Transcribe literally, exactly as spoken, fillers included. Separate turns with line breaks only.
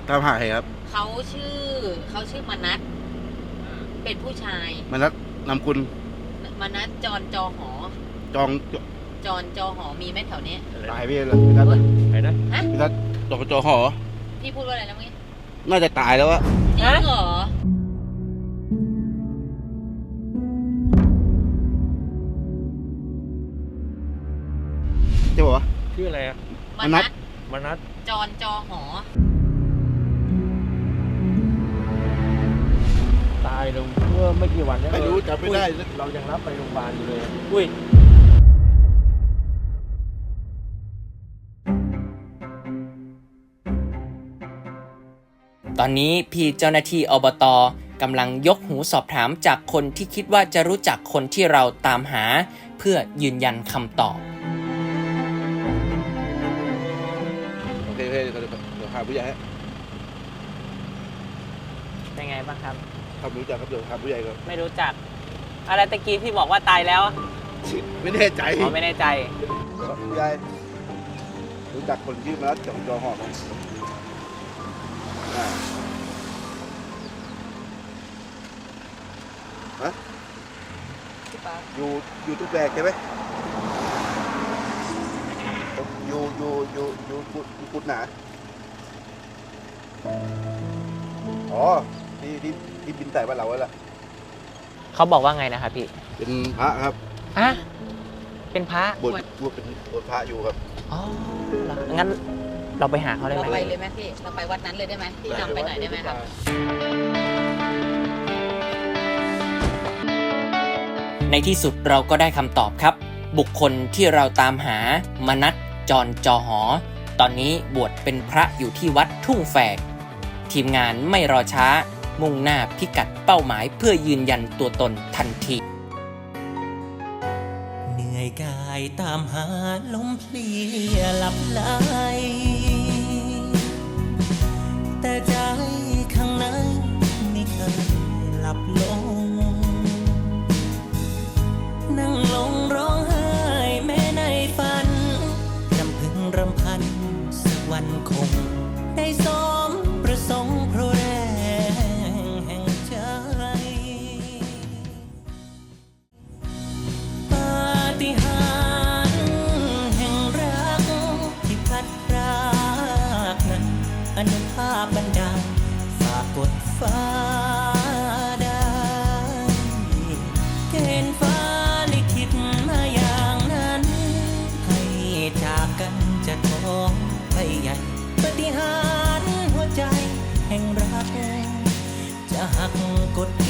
ตามหาใครครับ
เขาชื่อเขาชื่อมนัสเป็นผู้ชาย
มนัสนำคุณ
มนัสจรจอหอ
จอง
จรจอหอมีไหมแถวนี้
ตายไปเลยพี่นัท
ไหนนะ
พี่นัทจองจอหอ
พี่พูดว่าอะไรแล้วเมื่อกี้
น่าจะตายแล้วอะ
จริงเหรอ
ใช่ป่าวะ
ชื่ออะไรอะ
มนัส
มนัส
จรจอหอ
ตายลงเมื่อไม่กี่วันนี้
ไม่รู้จำไม่ได้
เรายังรับไปโรงพยาบาลอยู่เลยอุ้ย
ตอนนี้พี่เจ้าหน้าที่อบต.กำลังยกหูสอบถามจากคนที่คิดว่าจะรู้จักคนที่เราตามหาเพื่อยืนยันคำตอบ
โอเคโอเคเดี๋ยวเดี๋ยวหาผู้ใหญ่ให้
เป็นไงบ้างครับ
ครับรู้จักครับเดี๋ยวหาผู้ใหญ่ก่อน
ไม่รู้จักอะไรตะกี้ที่บอกว่าตายแล้ว
ไม่แน่ใจ
อ๋อไม่แน่ใจ
ผู้ใหญ่รู้จักคนชื่อมนัสจองจอหอไหมฮะอยู่อยู่ทุกแบกใช่ไหมอยู่อยู่อยู่อยู่กุดกุดหนาอ๋อที่ที่ที่บินใส่บ้านเราไว้ละ
เขาบอกว่าไงนะครับพี่
เป็นพระครับ
ฮะเป็นพระ
บวชบวชเป็นบวชพระอยู่ครับ
อ๋องั้นเราไปหาเขาได้ไหม
เราไปเลยไหมพี่เราไปวัดนั้นเลยได้ไหมพี่นำไปหน่อยได้ไหมครับ
ในที่สุดเราก็ได้คำตอบครับบุคคลที่เราตามหามนัสจรจอหอตอนนี้บวชเป็นพระอยู่ที่วัดทุ่งแฝกทีมงานไม่รอช้ามุ่งหน้าพิกัดเป้าหมายเพื่อยืนยันตัวตนทันทีเหนื่อยกายตามหาลมเพลียหลับไหลแต่ใจข้างในไม่เคยหลับลงนั่งลงร้องไห้แม้ในฝันรำพึงรำพันสักวันคงได้สมประสงค์เพราะแรงแห่งใจปาฏิหาริย์แห่งรักที่พัดพรากนั้นอนุภาพบันดาลฝากกดฟ้าได้เกณฑ์ฟ้าลิขิตมาอย่างนั้นให้จากกันจะท้องไปใหญ่ปาฏิหาริย์หัวใจแห่งรักจะหักกฎ